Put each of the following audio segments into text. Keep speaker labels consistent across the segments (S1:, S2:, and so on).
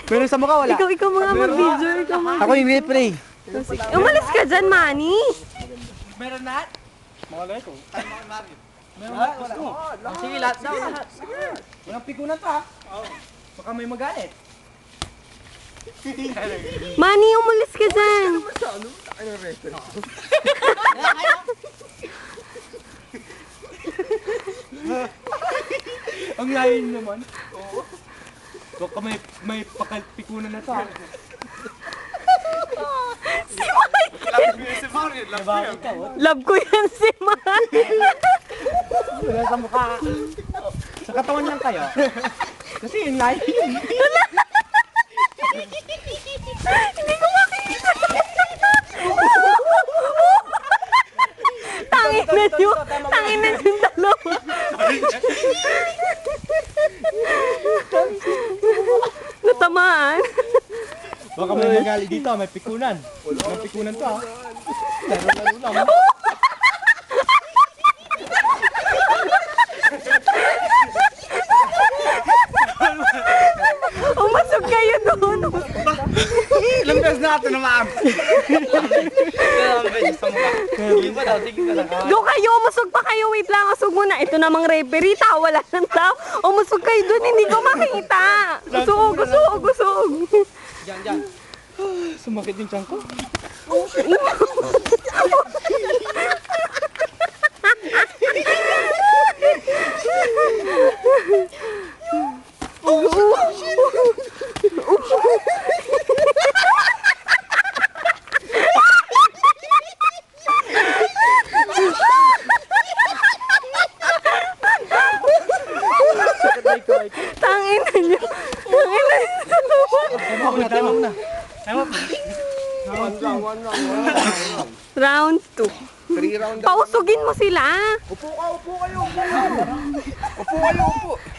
S1: Meron sa mukha, wala.
S2: Ikaw mga mag-video. Ikaw mga...
S1: Ako yung replay.
S2: Umalis ka dyan, Manny.
S1: Meron na? Malay ko. Meron na? Wala. Sige, lahat daw. Walang pikunan pa. Baka may magalit.
S2: Manny, umalis ka dyan.
S1: Ang layin naman. Oo. Baka may pikunan na to.
S2: Love ko yan si Manny.
S1: Wala sa mukha. Sa katawan lang kayo. Kasi yung layin.
S2: Hindi ko makita. Tangina yung dalawa. Natamaan.
S1: Baka may magalit dito, may pikunan. May pikunan to ha. Laro-laro lang.
S2: Umasog kayo doon.
S1: Ilang beses na ito naman.
S2: Doon kayo, umusog pa kayo. Wait lang, usog muna. Ito namang referee, wala ng tao. Umusog kayo doon, hindi ko makita. Usog.
S1: Diyan. Sumakit yung tiyan ko.
S2: Tangina nyo.
S1: Tama mo na.
S2: Round 2.
S3: 3 round.
S2: Pausugin mo sila.
S3: Upo kayo. Upo kayo.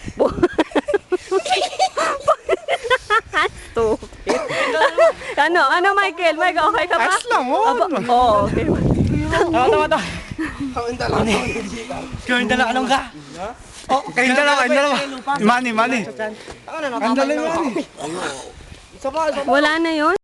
S2: Stupid. Ano, Michael, okay ka ba?
S1: Ayos lang,
S2: Oo, okay.
S1: Tama.
S3: Kayong dala anong ka?
S1: Oh, kayong dalawa. Mani.
S3: Ang dala yung
S2: Wala na yon.